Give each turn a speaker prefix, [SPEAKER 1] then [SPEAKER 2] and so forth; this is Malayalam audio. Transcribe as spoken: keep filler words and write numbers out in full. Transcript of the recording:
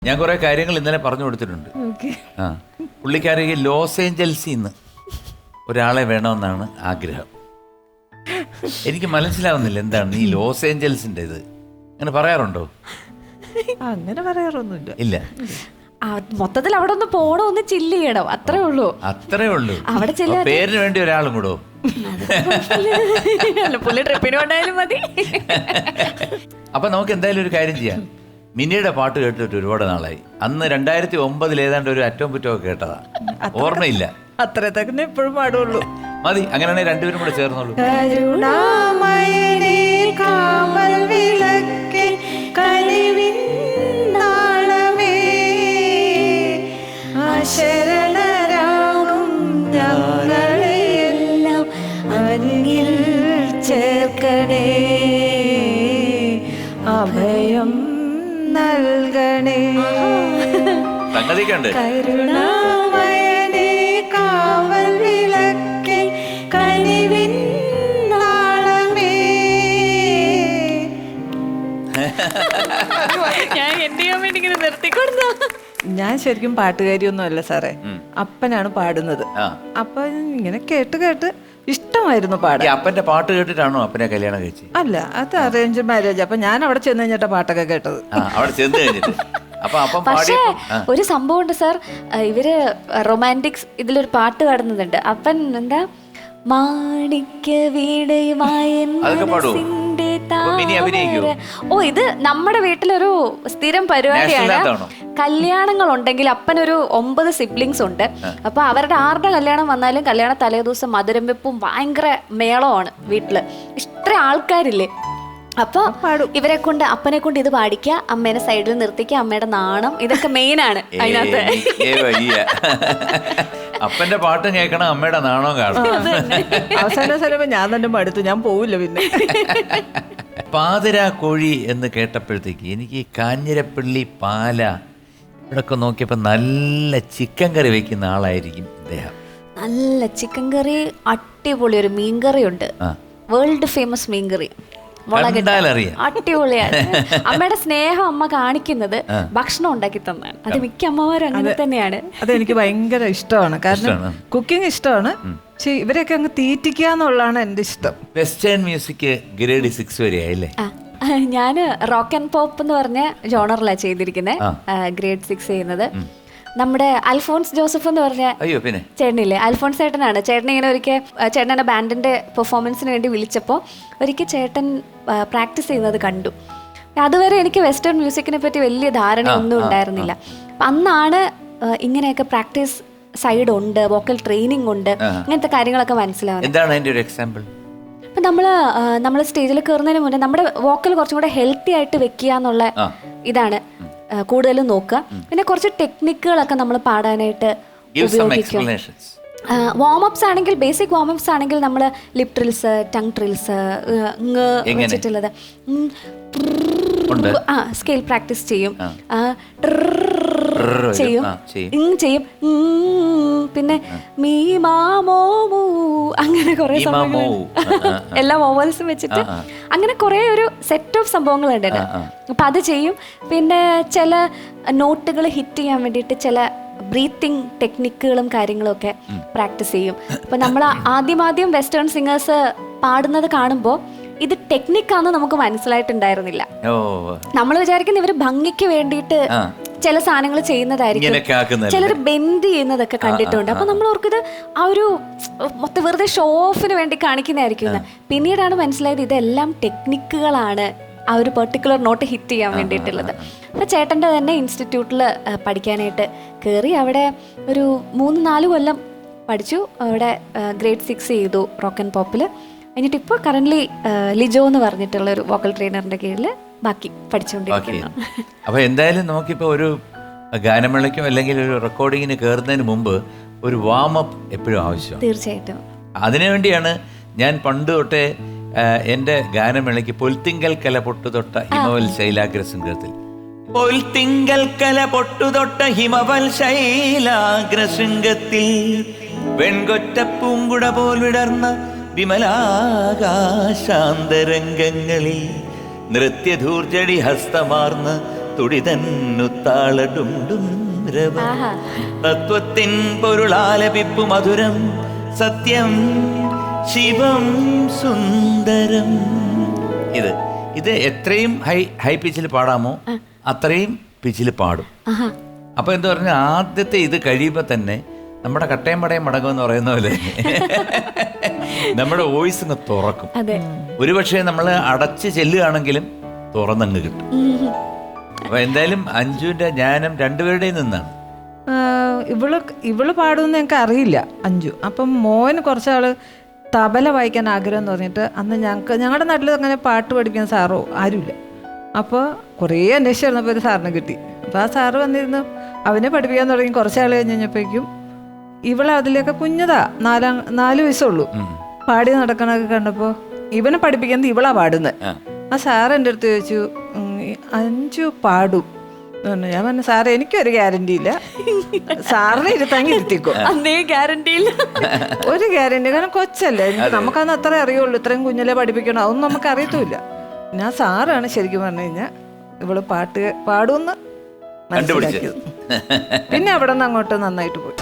[SPEAKER 1] ഞാൻ കുറെ കാര്യങ്ങൾ ഇന്നലെ പറഞ്ഞു കൊടുത്തിട്ടുണ്ട്. ആ പുള്ളിക്കാരിക്ക് ലോസ് ഏഞ്ചൽസിൽ നിന്ന് ഒരാളെ വേണമെന്നാണ് ആഗ്രഹം. എനിക്ക് മനസ്സിലാവുന്നില്ല എന്താണ് ഈ ലോസ് ഏഞ്ചൽസിന്റെ ഇത്. അങ്ങനെ പറയാറുണ്ടോ?
[SPEAKER 2] അങ്ങനെ പറയാറൊന്നുമില്ല.
[SPEAKER 1] ഇല്ല,
[SPEAKER 3] മൊത്തത്തിൽ അവിടെ ഒന്ന് പോണോ, ഒന്ന് ചില്ല് ചെയ്യണം, അത്രേ ഉള്ളൂ.
[SPEAKER 1] അത്രേ ഉള്ളൂ.
[SPEAKER 3] അവിടെ
[SPEAKER 1] പേരിന് വേണ്ടി ഒരാളും കൂടോ?
[SPEAKER 3] പുള്ളി ട്രിപ്പിന് കൊണ്ടായാലും മതി.
[SPEAKER 1] അപ്പൊ നമുക്ക് എന്തായാലും ഒരു കാര്യം ചെയ്യാം. മിനിയുടെ പാട്ട് കേട്ടിട്ട് ഒരുപാട് നാളായി. അന്ന് രണ്ടായിരത്തി ഒമ്പതിൽ ഏതാണ്ട് ഒരു അറ്റവും പുറ്റവും ഒക്കെ കേട്ടതാ, ഓർമ്മയില്ല.
[SPEAKER 2] അത്ര തന്നെ എപ്പോഴും പാടുള്ളൂ.
[SPEAKER 1] മതി, അങ്ങനെയാണെങ്കിൽ രണ്ടുപേരും കൂടെ ചേർന്നോളൂ.
[SPEAKER 2] കരുണാമയനേ കാവൽ വിളക്കേ കനിവിൻ നാളമേ അശരണരാകും ഞങ്ങളെയെല്ലാം അന്നിൽ ചേർക്കണേ, അഭയം നൽകണേ.
[SPEAKER 1] സംഗതിക്കുണ്ട്.
[SPEAKER 2] കരുണാമയനേ കാവൽ വിളക്കേ കനിവിൻ നാളമേ.
[SPEAKER 3] ഞാൻ എന്ത് ചെയ്യാൻ വേണ്ടി ഇങ്ങനെ നിർത്തിക്കൊടുത്ത?
[SPEAKER 2] ഞാൻ ശരിക്കും പാട്ടുകാരിയൊന്നും അല്ല സാറേ, അപ്പനാണ് പാടുന്നത്. അപ്പൊ ഇങ്ങനെ കേട്ട് കേട്ട് ഇഷ്ടമായിരുന്നു പാടാൻ.
[SPEAKER 1] അപ്പന്റെ പാട്ട് കേട്ടിട്ടാണോ അപ്പനെ കല്യാണം കഴിച്ചത്?
[SPEAKER 2] അല്ല, അത് അറേഞ്ച് മാരേജ്. അപ്പൊ ഞാൻ അവിടെ ചെന്ന് കഴിഞ്ഞിട്ടാ പാട്ടൊക്കെ കേട്ടത്.
[SPEAKER 1] അവിടെ ചെന്ന് കഴിഞ്ഞിട്ട്
[SPEAKER 3] പക്ഷേ ഒരു സംഭവം ഉണ്ട് സാർ, ഇവര് റൊമാൻറ്റിക്സ് ഇതിലൊരു പാട്ട് പാടുന്നുണ്ട്. അപ്പൻ എന്താ മാണിക്യ വീണയുമായി. ഓ, ഇത് നമ്മുടെ വീട്ടിലൊരു സ്ഥിരം പരിപാടിയാണ്. കല്യാണങ്ങൾ ഉണ്ടെങ്കിൽ അപ്പനൊരു ഒമ്പത് സിബ്ലിങ്സ് ഉണ്ട്. അപ്പൊ അവരുടെ ആരുടെ കല്യാണം വന്നാലും കല്യാണ തലേദിവസം മധുരം വെപ്പും ഭയങ്കര മേളമാണ് വീട്ടില്. ഇത്ര ആൾക്കാരില്ലേ, അപ്പൊ ഇവരെ കൊണ്ട് അപ്പനെ കൊണ്ട് ഇത് പാടിക്കുക, അമ്മേനെ സൈഡിൽ നിർത്തിക്കുക, അമ്മയുടെ നാണം, ഇതൊക്കെ മെയിൻ ആണ് അതിനകത്ത്.
[SPEAKER 1] അപ്പന്റെ പാട്ടും കേൾക്കണം, അമ്മയുടെ നാണവും കാണണം.
[SPEAKER 2] അവസാന സ്ഥലം ഞാൻ തന്നെ മടുത്തു, ഞാൻ പോവില്ല പിന്നെ.
[SPEAKER 1] പാതിരാ കോഴി എന്ന് കേട്ടപ്പോഴത്തേക്ക് എനിക്ക് കാഞ്ഞിരപ്പള്ളി പാല ഇവിടൊക്കെ നോക്കിയപ്പോ നല്ല ചിക്കൻ കറി വെക്കുന്ന ആളായിരിക്കും ഇദ്ദേഹം.
[SPEAKER 3] നല്ല ചിക്കൻ കറി, അടിപൊളി ഒരു മീൻകറി ഉണ്ട്, വേൾഡ് ഫേമസ് മീൻകറി, അടിപൊളിയാണ്. അമ്മയുടെ സ്നേഹം അമ്മ കാണിക്കുന്നത് ഭക്ഷണം ഉണ്ടാക്കി തന്നാണ്. അത് മിക്ക അമ്മമാരും അങ്ങനെ തന്നെയാണ്.
[SPEAKER 2] അതെനിക്ക് ഭയങ്കര ഇഷ്ടമാണ്, കാരണം കുക്കിംഗ് ഇഷ്ടമാണ്. പക്ഷെ ഇവരെയൊക്കെ അങ്ങ് തീറ്റിക്കുക എന്നുള്ളതാണ് എന്റെ ഇഷ്ടം.
[SPEAKER 1] വെസ്റ്റേൺ മ്യൂസിക് ഗ്രേഡ് സിക്സ് വരെ ആയില്ലേ?
[SPEAKER 3] ഞാന് റോക്ക് ആൻഡ് പോപ്പ് എന്ന് പറഞ്ഞ ജോണറിലാണ് ചെയ്തിരിക്കുന്നത്, ഗ്രേഡ് സിക്സ് ചെയ്യുന്നത്. നമ്മുടെ അൽഫോൺസ് ജോസഫ് എന്ന് പറഞ്ഞ ചേട്ടനില്ലേ, അൽഫോൺസ് ചേട്ടനാണ്. ചേട്ടൻ ഇങ്ങനെ ഒരിക്കൽ ചേട്ടനെ ബാൻഡിന്റെ പെർഫോമൻസിന് വേണ്ടി വിളിച്ചപ്പോൾ ഒരിക്കൽ ചേട്ടൻ പ്രാക്ടീസ് ചെയ്യുന്നത് കണ്ടു. അതുവരെ എനിക്ക് വെസ്റ്റേൺ മ്യൂസിക്കിനെ പറ്റി വലിയ ധാരണ ഒന്നും ഉണ്ടായിരുന്നില്ല. അന്നാണ് ഇങ്ങനെയൊക്കെ പ്രാക്ടീസ് സൈഡ് ഉണ്ട്, വോക്കൽ ട്രെയിനിങ് ഉണ്ട്, അങ്ങനത്തെ കാര്യങ്ങളൊക്കെ മനസ്സിലാവുന്നത്. അപ്പം നമ്മൾ നമ്മൾ സ്റ്റേജിൽ കയറുന്നതിന് മുന്നേ നമ്മുടെ വോക്കൽ കുറച്ചും കൂടെ ഹെൽത്തി ആയിട്ട് വെക്കുക എന്നുള്ള ഇതാണ് കൂടുതലും നോക്കുക. പിന്നെ കുറച്ച് ടെക്നിക്കുകളൊക്കെ നമ്മൾ പാടാനായിട്ട് ഉപയോഗിക്കും. വാമപ്സ് ആണെങ്കിൽ, ബേസിക് വാമപ്സ് ആണെങ്കിൽ നമ്മൾ ലിപ് ട്രിൽസ്, ടങ് ട്രിൽസ് വെച്ചിട്ടുള്ളത്, ആ സ്കെയിൽ പ്രാക്ടീസ് ചെയ്യും ചെയ്യും ചെയ്യും പിന്നെ മീ മാമോ അങ്ങനെ കുറെ സംഭവങ്ങൾ, എല്ലാ വോവൽസും വെച്ചിട്ട് അങ്ങനെ കുറെ ഒരു സെറ്റ് ഓഫ് സംഭവങ്ങളുണ്ട്. അപ്പൊ അത് ചെയ്യും. പിന്നെ ചില നോട്ടുകൾ ഹിറ്റ് ചെയ്യാൻ വേണ്ടിയിട്ട് ചില ബ്രീത്തിങ് ടെക്നിക്കുകളും കാര്യങ്ങളും ഒക്കെ പ്രാക്ടീസ് ചെയ്യും. അപ്പൊ നമ്മൾ ആദ്യം ആദ്യം വെസ്റ്റേൺ സിംഗേഴ്സ് പാടുന്നത് കാണുമ്പോൾ ഇത് ടെക്നിക്കാന്ന് നമുക്ക് മനസ്സിലായിട്ടുണ്ടായിരുന്നില്ല. നമ്മൾ വിചാരിക്കുന്ന ഇവര് ഭംഗിക്ക് വേണ്ടിയിട്ട് ചില സാധനങ്ങൾ ചെയ്യുന്നതായിരിക്കും, ചിലർ ബെൻഡ് ചെയ്യുന്നതൊക്കെ കണ്ടിട്ടുണ്ട്. അപ്പൊ നമ്മൾ ഓർക്കത് ആ ഒരു മൊത്തം വെറുതെ ഷോ ഓഫിന് വേണ്ടി കാണിക്കുന്നതായിരിക്കും. പിന്നീടാണ് മനസ്സിലായത് ഇതെല്ലാം ടെക്നിക്കുകളാണ്, ആ ഒരു പെർട്ടിക്കുലർ നോട്ട് ഹിറ്റ് ചെയ്യാൻ വേണ്ടിയിട്ടുള്ളത്. അപ്പൊ ചേട്ടൻ്റെ തന്നെ ഇൻസ്റ്റിറ്റ്യൂട്ടിൽ പഠിക്കാനായിട്ട് കയറി. അവിടെ ഒരു മൂന്ന് നാല് കൊല്ലം പഠിച്ചു. അവിടെ ഗ്രേഡ് സിക്സ് ചെയ്തു റോക്ക് ആൻഡ് പോപ്പിൽ. എന്നിട്ട് ഇപ്പോൾ കറന്റ് ലിജോ എന്ന് പറഞ്ഞിട്ടുള്ള ഒരു വോക്കൽ ട്രെയിനറിന്റെ കീഴിൽ ബാക്കി പഠിച്ചുകൊണ്ടിരിക്കുന്നു.
[SPEAKER 1] അപ്പൊ എന്തായാലും നമുക്കിപ്പോ ഒരു ഗാനമേളയ്ക്കോ അല്ലെങ്കിൽ ഒരു റെക്കോർഡിങ്ങിന് കയറുന്നതിന് മുമ്പ് ഒരു വാമപ്പ് എപ്പോഴും ആവശ്യമാണ്.
[SPEAKER 3] തീർച്ചയായിട്ടും.
[SPEAKER 1] അതിനുവേണ്ടിയാണ് ഞാൻ പണ്ട് തൊട്ടേ എൻ്റെ ഗാനമേളയ്ക്ക് പൊൽത്തിങ്കൽ കല പൊട്ടുതൊട്ട ഹിമവൽ ശൈലാഗ്ര ശൃംഗത്തിൽ പൊൽത്തിങ്കൽ കല പൊട്ടുതൊട്ട ഹിമവൽ ശൈലാഗ്ര ശൃംഗത്തിൽ വെൺകൊറ്റ പൂങ്കുട പോൽ വിടർന്ന വിമലാകാശാന്തരംഗങ്ങളിൽ നൃത്യധൂർജടി ഹസ്തമാർന്ന് തുടിതന്നു താളടുണ്ടും രവം തത്വത്തിൻ പൊരുളാലപിപ്പു മധുരം സത്യം ശിവം സുന്ദരം. ഇത് ഇത് എത്രയും ഹൈ ഹൈ പിച്ചിൽ പാടാമോ അത്രയും പിച്ചിൽ പാടും. അപ്പൊ എന്താ പറഞ്ഞാൽ ആദ്യത്തെ ഇത് കഴിയുമ്പോ തന്നെ നമ്മുടെ കട്ടയും പടയും മടങ്ങുമെന്ന് പറയുന്ന പോലെ നമ്മുടെ വോയിസ് അങ്ങ് തുറക്കും. ഒരുപക്ഷെ നമ്മൾ അടച്ച് ചെല്ലുകയാണെങ്കിലും തുറന്നങ്ങ് കിട്ടും. അപ്പൊ എന്തായാലും അഞ്ജുവിന്റെ ജ്ഞാനം രണ്ടുപേരുടെയും നിന്നാണ്.
[SPEAKER 2] ഇവള് ഇവള് പാടുമെന്ന് ഞങ്ങൾക്ക് അറിയില്ല അഞ്ജു. അപ്പം മോന് കുറച്ചാള് തബല വായിക്കാൻ ആഗ്രഹം തോന്നിയിട്ട് അന്ന് ഞങ്ങൾക്ക് ഞങ്ങളുടെ നാട്ടിൽ അങ്ങനെ പാട്ട് പഠിപ്പിക്കാൻ സാറോ ആരുമില്ല. അപ്പോൾ കുറേ അന്വേഷിച്ച് വന്നപ്പോൾ ഒരു സാറിന് കിട്ടി. അപ്പോൾ ആ സാറ് വന്നിരുന്നു അവനെ പഠിപ്പിക്കാൻ തുടങ്ങി. കുറച്ചാൾ കഴിഞ്ഞ് കഴിഞ്ഞപ്പോഴേക്കും ഇവളെ അതിലൊക്കെ കുഞ്ഞതാ, നാലാം നാല് വയസ്സുള്ളൂ. പാടി നടക്കണൊക്കെ കണ്ടപ്പോൾ ഇവനെ പഠിപ്പിക്കുന്നത് ഇവളാ പാടുന്നത്. ആ സാറ് എൻ്റെ അടുത്ത് ചോദിച്ചു അഞ്ജു പാടും. ഞാൻ പറഞ്ഞു സാറേ എനിക്കൊരു ഗ്യാരണ്ടി ഇല്ല, സാറിനെ ഇരുത്താങ്ങി ഇരുത്തിക്കോ.
[SPEAKER 3] ഗ്യാരണ്ടി ഇല്ല,
[SPEAKER 2] ഒരു ഗ്യാരണ്ടി. കാരണം കൊച്ചല്ലേ, നമുക്കന്ന് അത്രേ അറിയുള്ളൂ. ഇത്രയും കുഞ്ഞിലെ പഠിപ്പിക്കണം അതൊന്നും നമുക്ക് അറിയത്തുമില്ല. ഞാൻ സാറാണ് ശരിക്കും പറഞ്ഞു കഴിഞ്ഞാൽ ഇവള് പാട്ട് പാടുമെന്ന് മനസ്സിലാക്കിയത്. പിന്നെ അവിടെ നിന്ന് അങ്ങോട്ട് നന്നായിട്ട് പോയി.